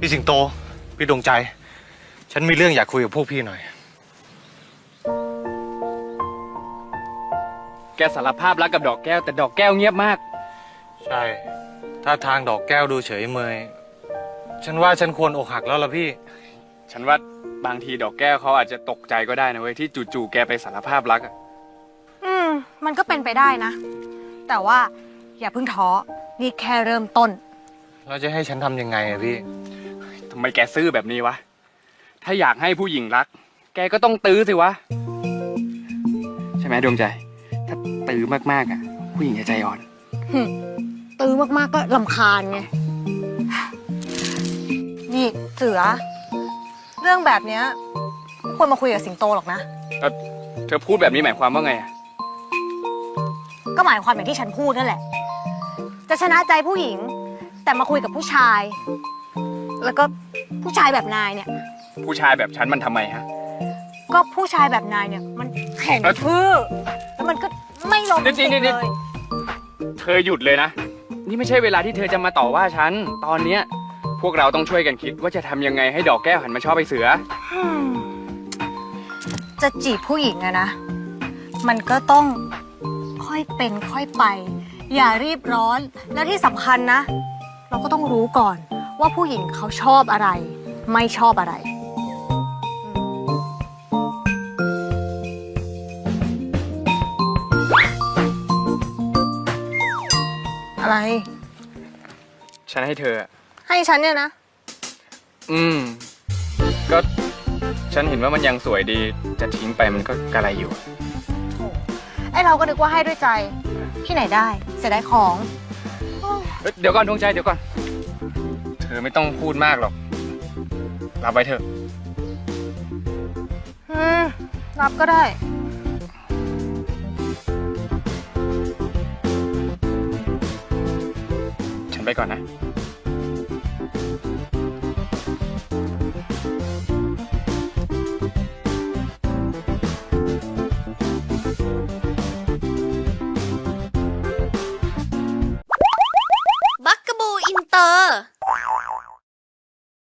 พี่สิงโตพี่ดวงใจ ฉันมีเรื่องอยากคุยกับพวกพี่หน่อยแกสารภาพรักกับดอกแก้วแต่ดอกแก้วเงียบมากใช่ถ้าทางดอกแก้วดูเฉยเมยฉันว่าฉันควรอกหักแล้วล่ะพี่ฉันว่าบางทีดอกแก้วเขาอาจจะตกใจก็ได้นะเว้ยที่จู่ๆแกไปสารภาพรักอะมันก็เป็นไปได้นะ แต่ว่าอย่าเพิ่งท้อนี่แค่เริ่มต้นเราจะให้ฉันทำยังไงอะพี่ทำไมแกซื่อแบบนี้วะถ้าอยากให้ผู้หญิงรักแกก็ต้องตื้อสิวะใช่ไหมดวงใจถ้าตื้อมากๆอ่ะผู้หญิงจะใจอ่อนตื้อมากๆก็รำคาญไงนี่เสือเรื่องแบบเนี้ยไม่ควรมาคุยกับสิงโตหรอกนะเธอพูดแบบนี้หมายความว่าไงอ่ะก็หมายความอย่างที่ฉันพูดนั่นแหละจะชนะใจผู้หญิงแต่มาคุยกับผู้ชาย แล้วก็ผู้ชายแบบนายเนี่ยผู้ชายแบบฉันมันทำไมฮะก็ผู้ชายแบบนายเนี่ยมันแข็งทื่อแล้วมันก็ไม่โรแมนติกเลยเธอหยุดเลยนะนี่ไม่ใช่เวลาที่เธอจะมาต่อว่าฉันตอนเนี้ยพวกเราต้องช่วยกันคิดว่าจะทำยังไงให้ดอกแก้วหันมาชอบไอ้เสือจะจีบผู้หญิงอะนะมันก็ต้องค่อยเป็นค่อยไปอย่ารีบร้อนแล้วที่สำคัญนะเราก็ต้องรู้ก่อนว่าผู้หญิงเขาชอบอะไรไม่ชอบอะไรอะไรฉันให้เธอให้ฉันเนี่ยนะก็ฉันเห็นว่ามันยังสวยดีจะทิ้งไปมันก็กระไรอยู่ไอเราก็นึกว่าให้ด้วยใจที่ไหนได้เสียดายของเดี๋ยวก่อนดวงใจเดี๋ยวก่อนเธอไม่ต้องพูดมากหรอกรับไว้เถอะรับก็ได้ฉันไปก่อนนะ